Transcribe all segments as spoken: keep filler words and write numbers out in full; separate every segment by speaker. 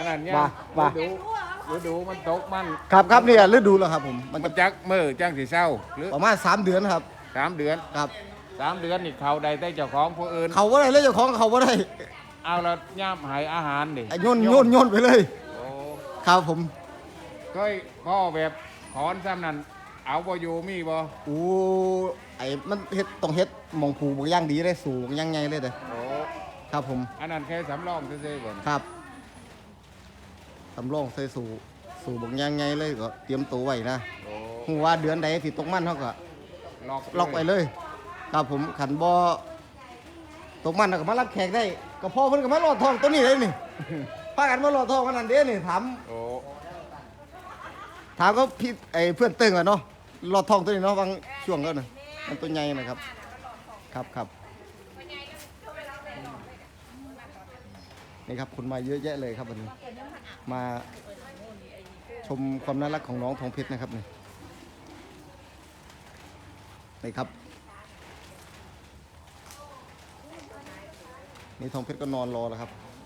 Speaker 1: นนั้นเนี่ย
Speaker 2: ว่าว่า
Speaker 1: ฤดูฤดูมันตกมัน
Speaker 2: ครับครับเนี่ยฤดูแล้วครับผมมัน
Speaker 1: มั
Speaker 2: จะ
Speaker 1: นจักมือจังสีเศร้าหรือ
Speaker 2: ประมาณสามเดือนครับ
Speaker 1: สามเดือน
Speaker 2: ครับ
Speaker 1: สามเดือนนี่เขาใดได้เจ้าของผู้อื่น
Speaker 2: เขาว่าได้เลยเจ้าของเขาว่าได้
Speaker 1: เอาแล้วย่ามหายอาหารดิ
Speaker 2: ไอ้โยนโยนโยนไปเลย
Speaker 1: โอ้
Speaker 2: ครับผม
Speaker 1: เคยพ่อแบบถอนซ้ำนั้นเอาบ่อยู่มีบ่
Speaker 2: โอ้ไอ้มันเฮ็ดต้องเฮ็ดหมองผูบางอย่างดีเลยสูงยังไงเลยเด้อ
Speaker 1: โอ้
Speaker 2: ครับผม
Speaker 1: อันนั้นแค่สำรองซื่อๆก่อน
Speaker 2: ครับตำรองใส่สู่สู่บางอย่างไงเลยก็เตรียมตัวไว้นะ
Speaker 1: โอ้
Speaker 2: หูว่าเดือนใดสิตกมันเขาก็
Speaker 1: ล็อก
Speaker 2: ล็อกไว้เลย ครับผมขันบอตกมันน่ะก็มารับแขกได้ก็พ่อเพิ่นก็มาหลอดทองตัวนี้เลยนี่ พากันมาหลอดทองกันนั่นเด้นี่ถาม
Speaker 1: โอ้
Speaker 2: ถามก็พี่ไอ้เพื่อนตึงอ่ะเนาะหลอดทองตัวนี้เนาะบางช่วงก็น่ะมันตัวใหญ่นะครับ ครับครับนี่ครับคนมาเยอะแยะเลยครับวันนี้มาชมความน่ารักของน้องทองเพชรนะครับนี่นี่ครับนี่ทองเพชรก็นอนรอแล้วครับ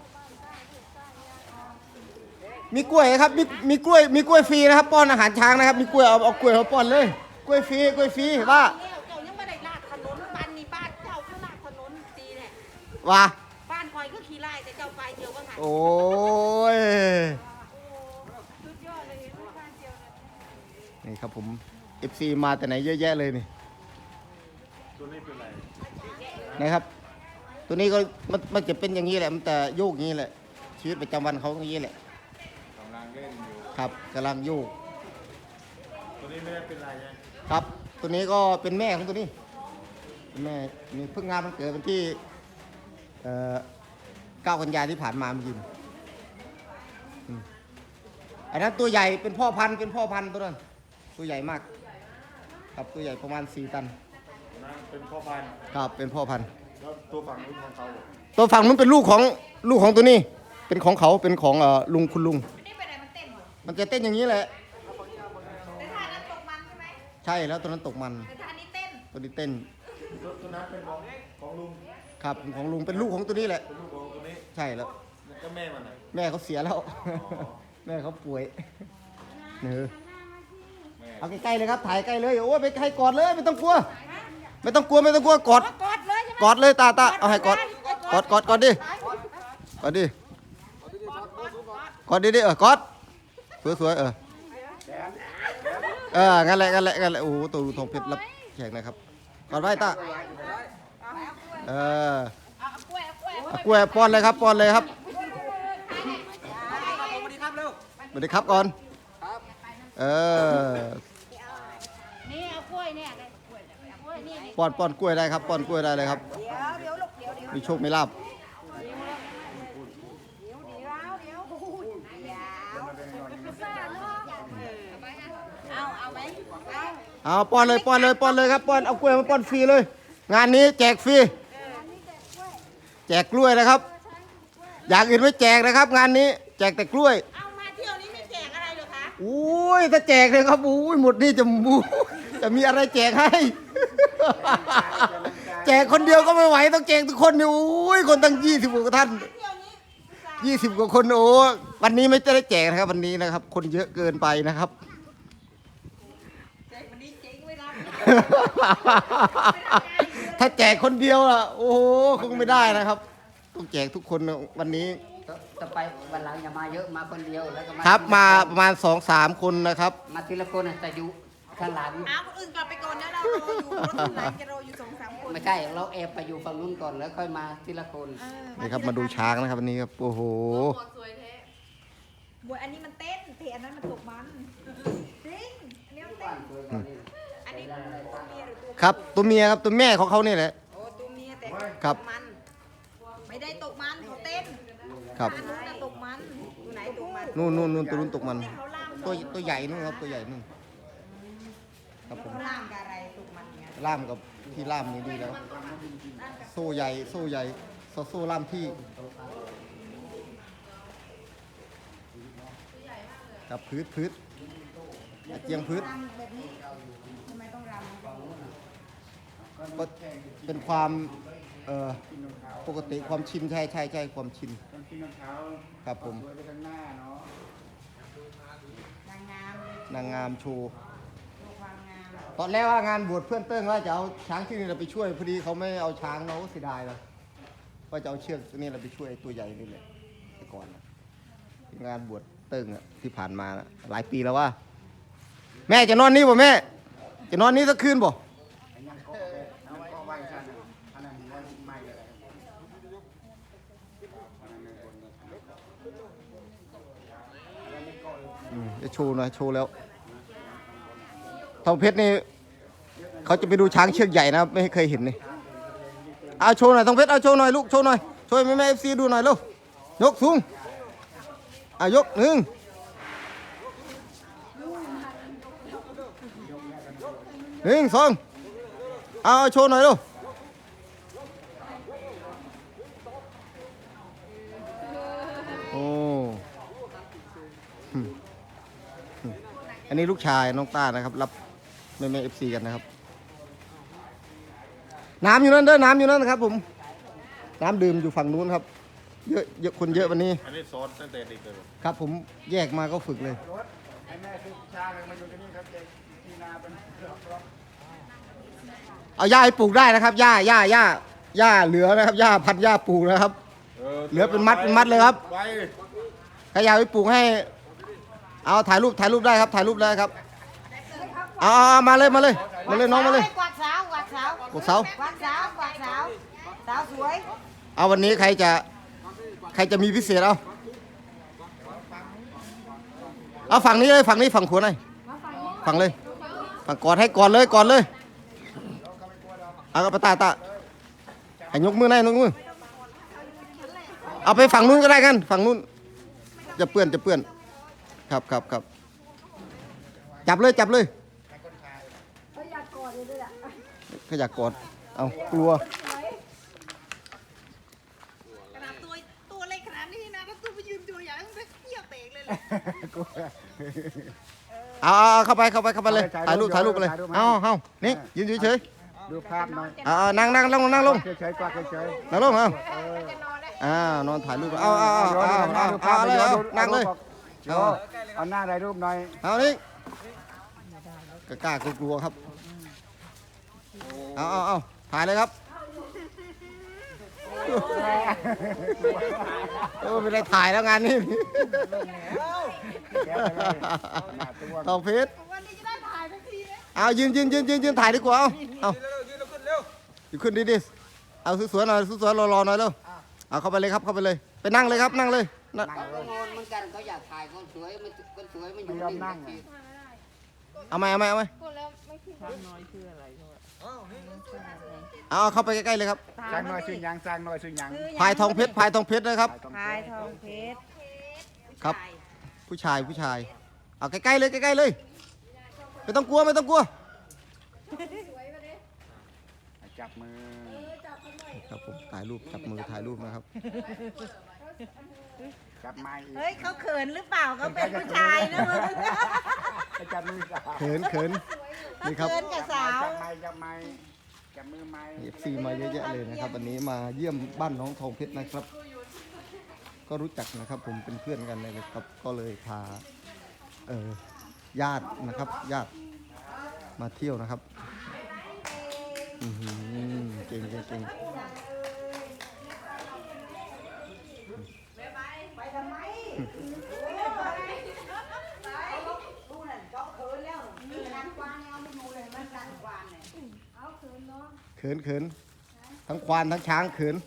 Speaker 2: มีกล้วยครับมีมีกล้วยมีกล้วยฟรีนะครับป้อนอาหารช้างนะครับมีกล้วยเอาเอากล้วยมาป้อนเลยกล้วยฟรีกล้วยฟรีว่า
Speaker 3: เจ้ายังไม่ได้ลาดถนนบ้านนี้บ้านเจ้าก็ลาดถนนตีแหละ
Speaker 2: ว่า
Speaker 3: บ้านคอยก็ขี่ไล่แต่เจ้าไปเดียวก็หัน
Speaker 2: โอ้ย
Speaker 3: สุดยอดเลยเห็นไหมบ้านเดียวเลย
Speaker 2: นี่ครับผม เอฟ ซี มาแต่ไหนเยอะแยะเลยนี่
Speaker 1: ตัวนี้เป็นไร
Speaker 2: นะครับ ตัวนี้ก็มันมันจะเป็นอย่างนี้แหละมันแต่โยกอย่างนี้แหละชีวิตประจำวันเขาอย่างนี้แหละ
Speaker 1: กำลังเล่นอยู่
Speaker 2: ครับกำลังโยก
Speaker 1: ตัวนี้ไม่ได้เป็นไรไง
Speaker 2: ครับ ตัวนี้ก็เป็นแม่ของตัวนี้เป็นแม่นี่เพิ่งงานมันเกิดวันที่เอ่อเก้ากันยายนที่ผ่านมาเมื่อกี้นี่อืมอันนั้นตัวใหญ่เป็นพ่อพันธุ์เป็นพ่อพันธุ์ตัวนั้นตัวใหญ่มาก ครับตัวใหญ่ประมาณสี่ตัน
Speaker 1: นั่นเป็นพ่อพันธุ์
Speaker 2: ครับเป็นพ่อพันธุ์
Speaker 1: แล้วตัวฝั่งนู้นของเขา
Speaker 2: ตัวฝั่งนู้นเป็นลูกของลูกของตัวนี้ เป็นของเขาเป็นของเอ่อลุงคุณลุง
Speaker 3: นี่ไปไหนมันเต้นเหรอ
Speaker 2: มันจะเต้นอย่างนี้แหละ
Speaker 3: แต่ท่านั้นตกมันใช่ไหม
Speaker 2: ใช่แล้วตัวนั้นตกมัน
Speaker 3: แต่ท่านี้เต้น
Speaker 2: ตัวนี้เต้น
Speaker 1: ตัวนั้นเป็นของของลุง
Speaker 2: ครับของลุงเป็นลูกของตัวนี้แหละ
Speaker 1: เป็นลูกของตัวนี้
Speaker 2: ใช่แล้ว
Speaker 1: แล้วก็แม่มันไหน
Speaker 2: แม่เขาเสียแล้ว แม่เขาป่วยเนอเอาใกล้ๆเลยครับถ่ายใกล้เลยโอ้ยไปใกล้กอดเลยไม่ต้องกลัว ไม่ต้องกลัวไม่ต้องกลัวกอด
Speaker 3: กอดเลยใช่ไหม
Speaker 2: กอดเลยตาตาเอาให้กอดกอดกอดกอดดิกอดดิกอดดิดิเออกอดสวยๆเออเอองั้นแหละงั้นแหละงั้นแหละโอ้โหตัวทองเพชรรับแขกนะครับกอดไว้ตาเออ
Speaker 3: เอากล้วยเอากล้วย
Speaker 2: เอากล้วยป้อนเลยครับป้อนเลยครับสวัสดีครับก่อนเออ
Speaker 3: นี่เอากล้วยเนี่ยเลยกล้วยเนี่ยเอากล้วยนี่นี่
Speaker 2: ป้อนป้อนกล้วยได้ครับป้อนกล้วยได้เลยครับ
Speaker 3: เดี๋ยวเดี๋ยวลูกเดี๋ยวเดี๋ยว
Speaker 2: มีโชคมีลาบ
Speaker 3: เดี๋ยวเดี๋ยวเดี๋ยวเดี๋ยวพิซซ่าเนาะเอาเอาไหมเอา
Speaker 2: เอาป้อนเลยป้อนเลยป้อนเลยครับป้อนเอากล้วยมาป้อนฟรีเลย งานนี้แจกฟรีแจกกล้วยนะครับ อย่างอื่นไม่แจกนะครับ งานนี้แจกแต่กล้วย
Speaker 3: เอามาเที่ยวนี้ไม่แจกอะไรเหรอคะ
Speaker 2: อุ้ยถ้าแจกเลยครับอุ้ยหมดนี่จะมูจะมีอะไรแจกให้ แจกคนเดียวก็ไม่ไหวต้องแจกทุกคนนี่อุ้ยคนตั้งยี่สิบกว่าท่าน
Speaker 3: เที่ยวนี้พิซซ่า
Speaker 2: ยี่สิบกว่าคนโอ้วันนี้ไม่ได้แจกนะครับวันนี้นะครับ คนเยอะเกินไปนะครับ
Speaker 3: แจกวันนี้เจ๊งไม่รับ
Speaker 2: ถ้าแจกคนเดียวล่ะโอ้โหคงไม่ได้นะครับ ต้องแจกทุกคนนะวันนี้
Speaker 4: ต่อไปวันหลังอย่ามาเยอะมาคนเดียวแล้วก็มา
Speaker 2: ครับมาประมาณสองสามคนนะครับ
Speaker 4: มาทีละคนน่ะแต่อยู่ข้างหลัง
Speaker 3: เอาคนอื่นกลับไปก่อนนะเรารออยู่รถทุนไหนจะรออยู่สองสามคน
Speaker 4: ไม่ใช่เราแอบไปอยู่ฝั่งนู้นก่อนแล้วค่อยมาทีละคน
Speaker 3: เออ
Speaker 2: นี่ครับมาดูช้างนะครับวันนี้ครับโอ้โห
Speaker 3: บวยอันนี้มันเต้นแต่อันนั้นมันตกมันจริงอันนี้มันเต้นอันนี้ตัวเมียหรือตัว
Speaker 2: ครับตัวเมียครับตัวแม่ของเขานี่แหละ
Speaker 3: โอ้ตัวเมียแต่
Speaker 2: ครับ
Speaker 3: ตกมัน ไม่ได้ตกมันเขาเต้น
Speaker 2: ครับ
Speaker 3: อันนู้นน่ะตกมันตัวไหนตกมัน
Speaker 2: นู่นนู่นนู่นตัวนู้นตกมัน
Speaker 3: เขาล่าม
Speaker 2: ตัวตัวใหญ่นู่นครับตัวใหญ่นู่นครับผม
Speaker 3: เขาล่ามกับอะไรตกมันเนี่ย
Speaker 2: ล่ามกับที่ล่ามนี่ดีแล้ว โซ่ใหญ่โซ่ใหญ่โซ่โซ่ล่ามที่ครับพืชพืชเจียงพืช
Speaker 3: ล่ามแบบนี้ทำไมต้องล่าม
Speaker 2: ก็เป็นความเอ่อปกติความชินใช่ใช่ใช่ความชิน
Speaker 1: ต้องกินน้ำเท้า
Speaker 2: ครับผม
Speaker 1: สวยไปข้างหน้าเนาะ
Speaker 3: นางงาม
Speaker 2: นางงามโชว์
Speaker 3: ดูความงาม
Speaker 2: ตอนแรกว่างานบวชเพื่อนเติ้งว่าจะเอาช้างที่นี่เราไปช่วยพอดีเขาไม่เอาช้างเราก็เสียดายเลยว่าจะเอาเชือกตัวนี้เราไปช่วยตัวใหญ่นี่แหละแต่ก่อนนะงานบวชเติ้งอะที่ผ่านมานะหลายปีแล้วว่า แม่จะนอนนี่บ่แม่ จะนอนนี่สักคืนบ่
Speaker 1: ไอ้นั่นก็เอาไว้ก็ไว้ชั้นนะอันนั้นไว้ไม่เลยอันนั้นไม่คนเลยอันนั้นไม่ก็เลย
Speaker 2: อืมจะโชว์หน่อยโชว์แล้วทองเพชรนี่เขาจะไปดูช้างเชือกใหญ่นะไม่เคยเห็นนี่เอาโชว์หน่อยทองเพชรเอาโชว์หน่อยลูกโชว์หน่อยช่วยแม่แม่เอฟซีดูหน่อยลูกยกสูงอ่ะยกหนึ่งหนึ่งสองเอาเอาโชว์หน่อยลูกโอ้อืมอืมอันนี้ลูกชายน้องต้านะครับรับแม่แม่เอฟซีกันนะครับน้ำอยู่นั่นเด้อน้ำอยู่นั่นนะครับผมน้ำดื่มอยู่ฝั่งนู้นครับเยอะเยอะคนเยอะวันนี้
Speaker 5: อันนี้สอนตั้งแต่เด็กเลยเหรอ
Speaker 2: ครับผมแยกมาก็ฝึกเลย
Speaker 1: รถไอ้แม่ซื้อช้างมาอยู่ที่นี่ครับเจ๊ที่นาเป็นรอบรอบ
Speaker 2: เอาหญ้าให้ปลูกได้นะครับหญ้าหญ้าหญ้าหญ้าเหลือนะครับหญ้าพันหญ้าปลูกนะครับ เหลือเป็นมัดเป็นมัดเลยครับ
Speaker 5: ไว้
Speaker 2: ถ้าอยากไปปลูกให้ เอาถ่ายรูปถ่ายรูปได้ครับถ่ายรูปได้ครับเอาเอาเอามาเลยมาเลยมาเลยน้องมาเลย
Speaker 3: กวาดสาวกวาดสาว
Speaker 2: กดเสาก
Speaker 3: วาดสาวกวาดสาวสาวสวย
Speaker 2: เอาวันนี้ใครจะใครจะมีพิเศษเอาเอาฝั่งนี้เลยฝั่งนี้ฝั่งขวาหน่อยฝั่งเลยฝั่งกอดให้กอดเลยกอดเลยเอากระตาตาให้ยกมือหน่อยยกมือเอาไปฝั่งนู้นก็ได้กันฝั่งนู้นจะเปื้อนจะเปื้อนครับครับครับจับเลยจับเลยเขาอยากกอดเลยอ่ะเขาอยากกอดเอากลัว
Speaker 3: ขนาดตัวตัวเล็กขนาดนี้นะถ้าตัวไปยืนตัวใหญ่ต้องเที่ยวเตะเลยเลย
Speaker 2: เอาเอาเอาเข้าไปเข้าไปเข้าไปเลยถ่ายรูปถ่ายรูปไปเลยเอาเอานี่ยืนเฉย
Speaker 1: ดูภาพหน่อย
Speaker 2: ๆเอาเอานั่งนั่งลงนั่งลง
Speaker 1: เฉยๆกว่าเฉย
Speaker 2: นั่งลงเอาอ่านอนถ่ายรูปเอาเอาเอาเอาเอาเอาเอาเลยเอานั่งเลย
Speaker 1: ๆเอาเอาหน้าถ่ายรูปหน่อย
Speaker 2: เอานี่กล้ากลัวๆครับเอาเอาเอาถ่ายเลยครับเออไม่ได้ถ่ายแล้วงานนี้ทองเพชร
Speaker 3: วันนี้จะได้ถ่ายทันทีเลย
Speaker 2: เอายืนยืนยืนยืนยืนถ่ายดีกว่าเอาเอาอยู่ขึ้นดีดิเอาสวยๆหน่อยสวยๆรอๆหน่อยเร็วเอาเข้าไปเลยครับเข้าไปเลยไปนั่งเลยครับนั่งเลยนั่ง
Speaker 4: เขาก็งงเหมือนกันเขาอยากถ่ายคนสวยมันคนสวยมันอยู่
Speaker 1: ไม่ยอมนั่ง
Speaker 4: นิ่ง
Speaker 2: เอาไหมเอาไหมเอาไหมเอาเข้าไปใกล้ๆเลยครับ
Speaker 1: สร้างหน่อยซื้อหยังสร้างหน่อยซื้อหยัง
Speaker 2: พายทองเพชรพายทองเพชรนะครับ
Speaker 3: พายทองเพชร
Speaker 2: ครับ ผู้ชายผู้ชาย เอาใกล้ๆเลยใกล้ๆเลยไม่ต้องกลัวไม่ต้องกลัว
Speaker 1: จับมือ
Speaker 2: ครับผมถ่ายรูปจับมือถ่ายรูปนะครับ
Speaker 1: จับไม้อีก
Speaker 3: เฮ้ยเขาเขินหรือเปล่าเขาเป็นผู้ชายนะมึง
Speaker 1: ให้จับมือสาว
Speaker 2: เขินเขินนี่ครับ
Speaker 3: เขินกับสาว
Speaker 1: จับไม้จับไม้จับมือไม้
Speaker 2: เอฟซีมาเยอะแยะเลยนะครับวันนี้มาเยี่ยมบ้านน้องทองเพชรนะครับ ก็รู้จักนะครับ ผมเป็นเพื่อนกันเลยนะครับ ก็เลยพาเอ่อญาตินะครับ ญาติมาเที่ยวนะครับอือหือเก่งเก่งเก่ง
Speaker 3: ไปทำไมดูนั่นเขาเขินแล้วมีร้านกวางเอาไม่ดูเลยมันร้านกวางเนี่ยเอาเขินเนาะ
Speaker 2: เขินเขินทั้งควานทั้งช้างเขิน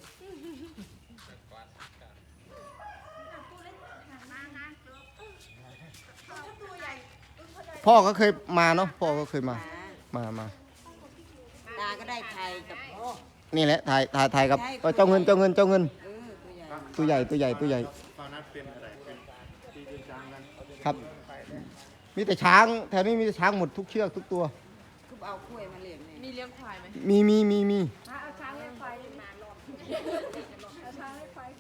Speaker 2: พ่อก็เคยมาเนาะพ่อก็เคยมามามา
Speaker 3: ตาก็ได้ไทยกับ
Speaker 2: นี่แหละถ่ายถ่ายถ่ายกับเออเจ้าเงินเจ้าเงินเจ้าเงิน
Speaker 3: เออตัวใหญ่
Speaker 2: ตัวใหญ่ตัวใหญ่ตัวใหญ่
Speaker 5: ตอนนั้นเป็นอะไรเป็นที่เป็นช้างกัน
Speaker 2: ครับ มีแต่ช้างแถวนี้มีแต่ช้างหมดทุกเชือกทุกตัว
Speaker 3: ทุบเอากล้วยมาเลี้ยงเนี่ย
Speaker 6: มีเลี้ยงควายไหม
Speaker 2: มีมีมีมี
Speaker 6: เอาช้างเลี้ยงควายมารอบเอาช้างเลี้ยงควาย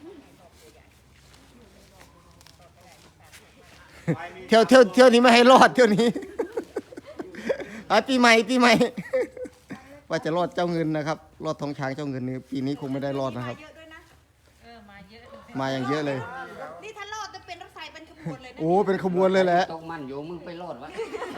Speaker 2: เที่ยวเที่ยวเที่ยวนี้ไม่ให้รอดเที่ยวนี้ ไอ้ปีใหม่ปีใหม่ว่าจะรอดเจ้าเงินนะครับ รอดทองช้างเจ้าเงินนี่ปีนี้คงไม่ได้รอดนะครับ
Speaker 3: เยอะด้วยนะ
Speaker 6: เออมาเยอะ
Speaker 2: มาอย่างเยอะเลย
Speaker 3: นี่ถ้ารอดจะเป็นรถไฟเป็นขบวนเลยนะ
Speaker 2: โอ้เป็นขบวนเลยแหละ
Speaker 4: ตกมันอยู่มึงไปรอดวะ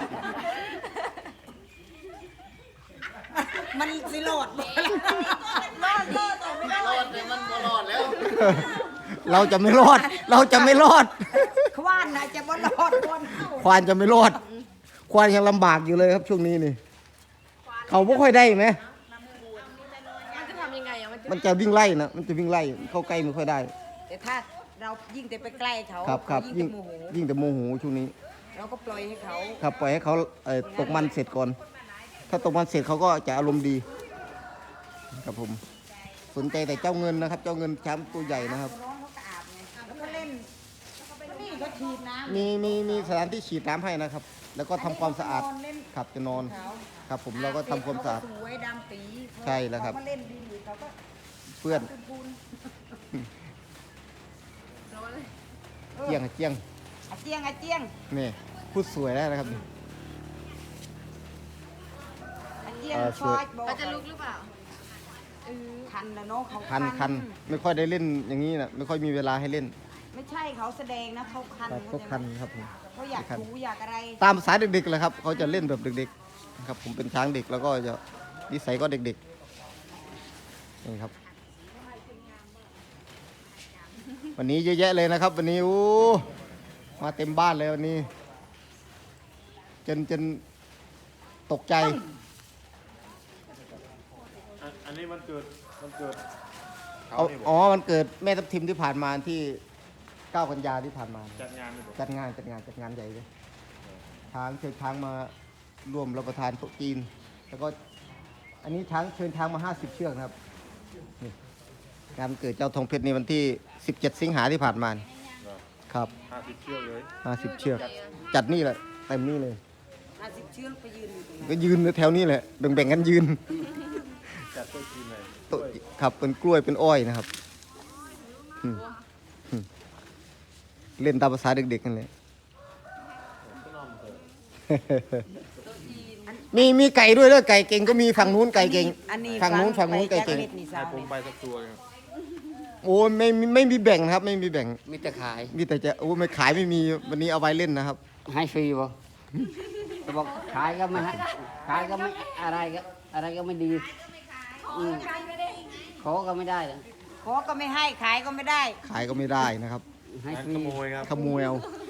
Speaker 3: มันสิโหลดรอดรอดแต่ไม่รอด
Speaker 5: แต่มันก็รอดแล้ว
Speaker 2: เราจะไม่รอด เราจะไม่รอด
Speaker 3: ควานนะจะบ่รอดคน
Speaker 2: ควานจะไม่รอด ควานยังลำบากอยู่เลยครับช่วงนี้นี่ เขาไม่ค่อยได้ไหม
Speaker 6: มันจะทำยังไงอ่ะมันจะ
Speaker 2: มันจะวิ่งไล่นะ มันจะวิ่งไล่ เข้าใกล้ไม่ค่อยได้
Speaker 3: แต่ถ้าเรายิ่งแต่ไปใกล้เขา
Speaker 2: ครับครับ
Speaker 3: ยิ่
Speaker 2: ยิ่
Speaker 3: ง
Speaker 2: ง
Speaker 3: จะโมโห
Speaker 2: ยิ่งแต่โมโหช่วงนี้
Speaker 3: เราก็ปล่อยให้เขา
Speaker 2: ครับปล่อยให้เขาเอ่อตกมันเสร็จก่อน ถ้าตกมันเสร็จเขาก็จะอารมณ์ดี ครับผม สนใจแต่เจ้าเงินนะครับ เจ้าเงินช้างตัวใหญ่นะครับ
Speaker 3: ร้องเขาก็อาบไงแล้วก็เล่นนี่ก็ฉีดน้ำ
Speaker 2: มีมีมีสถานที่ฉีดน้ำให้นะครับ แล้วก็ทำความสะอาด
Speaker 3: นนเล่น
Speaker 2: ครับจะนอน
Speaker 3: เขา
Speaker 2: ครับผมเราก็ทำความสะอาด
Speaker 3: เขก็สวยดำปี
Speaker 2: ใช่แล้วครับ
Speaker 3: เขามาเล่นดีอยู่เขาก็
Speaker 2: เพื่อน
Speaker 3: ปูน
Speaker 2: เจียงเจียง
Speaker 3: ๆอาเจียงอาเจียง
Speaker 2: นี่พูดสวยแล้วนะครับ
Speaker 3: อาเจียง
Speaker 2: เอ่อ
Speaker 3: ชอยบอก
Speaker 6: เขาจะลุกหรือเปล่า
Speaker 3: คันแล้วเนาะเขา
Speaker 2: คันคันไม่ค่อยได้เล่นอย่างนี้นะไม่ค่อยมีเวลาให้เล่น
Speaker 3: ไม่ใช่เขาแสดงนะเขาคัน
Speaker 2: ครับก็คันครับผม
Speaker 3: เขาอยาก
Speaker 2: คัน
Speaker 3: ถูอยากอะไร
Speaker 2: ตามภาษาเด็กๆเลยครับเขาจะเล่นแบบเด็กๆนะครับผมเป็นช้างเด็กแล้วก็จะนิสัยก็เด็กๆนี่ครับ วันนี้เยอะแยะเลยนะครับ วันนี้โอ้มาเต็มบ้านเลยวันนี้ จนจนตกใจ
Speaker 5: อันอันนี้มันเกิดมันเกิดเขา
Speaker 2: เอา
Speaker 5: นี่บ
Speaker 2: อ๋
Speaker 5: อก
Speaker 2: อมันเกิดแม่ทับทิมที่ผ่านมาที่เก้ากันยาที่ผ่านมา
Speaker 5: จัดงานนี่บอก
Speaker 2: จัดงานจัดงานจัดงานใหญ่เลยช้างเชิญช้างมาร่วมรับประทานโต๊ะจีน แล้วก็อันนี้ช้างเชิญช้างมาห้าสิบเชือกนะครับนี่งานวันเกิดเจ้าทองเพชรในวันที่สิบเจ็ดสิงหาที่ผ่านมานี่ครับ
Speaker 5: ห้าสิบเชือกเลย
Speaker 2: ห้าสิบเชือก จัดนี่แหละเต็มนี่เลย
Speaker 3: ห้าสิบเชือกไปยืนอยู่ตรงนั้น
Speaker 2: ก็ยืนแถวนี้แหละแบ่งๆกันยืน
Speaker 5: จัดโต๊ะจีนเลย
Speaker 2: โต๊ะครับเป็นกล้วยเป็นอ้อยนะครับอืมอืมเล่นตามภาษาเด็กๆกันเลย มีมีไก่ด้วยเด้อไก่เก่งก็มีฝั่งนู้นไก่เก่ง
Speaker 3: อันนี้
Speaker 2: ฝั่งนู้นฝั่งนู้นไก่เก่ง
Speaker 3: ไปจักรเล็ดนี่
Speaker 5: ให้
Speaker 3: สาว
Speaker 5: ผม
Speaker 3: นี่
Speaker 5: ไปสักตัวหนึ่ง
Speaker 2: โอ้ไม่ไม่ไม่มีแบ่งนะครับ ไม่มีแบ่ง
Speaker 4: มีแต่ขาย
Speaker 2: มีแต่จะโอ้ไม่ขายไม่มีวันนี้เอาไว้เล่นนะครับ
Speaker 4: ให้ฟรีบ่จะบอกขายก็ไม่ให้ขายก็ไม่อะไรก็อะไรก็ไม่ดีอืมขอก็ไม่ได้เลย
Speaker 3: ขอก็ไม่ให้ขายก็ไม่ได้
Speaker 2: ขายก็ไม่ได้นะครับ
Speaker 4: ให้
Speaker 5: ให้
Speaker 4: ฟรี
Speaker 5: ขโมยครับ
Speaker 2: ขโมยเอา
Speaker 3: ข